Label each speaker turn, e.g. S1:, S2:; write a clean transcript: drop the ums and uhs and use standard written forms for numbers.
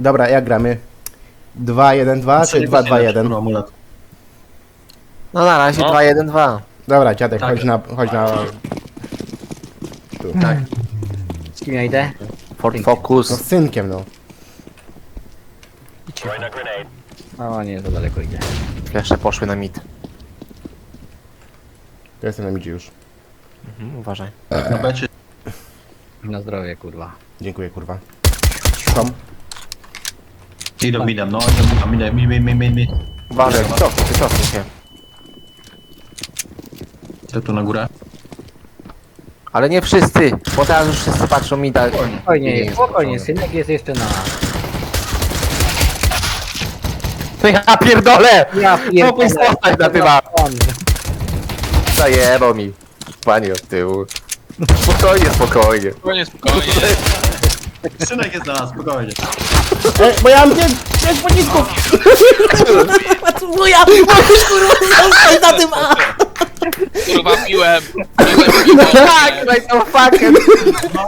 S1: Dobra, jak gramy? 2-1-2 czy 2-2-1?
S2: No na razie 2-1-2.
S1: Dobra, dziadek,
S3: Tak.
S1: chodź na...
S3: Tak.
S4: Z kim ja idę?
S2: Ford
S1: No
S2: Focus.
S1: z synkiem, no.
S4: O nie, za daleko idzie.
S2: Jeszcze poszły na mid.
S1: To jestem na midzie już.
S2: Uważaj.
S3: Na becie.
S4: Na zdrowie, kurwa.
S1: Dziękuję, kurwa. Tom?
S3: Idą midem, no, idą midem.
S2: Uważaj, cofnij się.
S3: Ja tu na górę.
S2: Ale nie wszyscy, bo teraz już wszyscy patrzą mi tak.
S4: Spokojnie, spokojnie, synek jest jeszcze na...
S2: To ja pierdolę!
S4: Ja
S2: Mógłbyś zostać na tym Zajebał mi. Panie od tyłu. Spokojnie, spokojnie.
S5: Spokojnie, spokojnie.
S3: Synek jest na nas, spokojnie.
S1: Bo ja mam 5 pocisków!
S5: Kurwa, piłem.
S2: Tak, no i to fucking.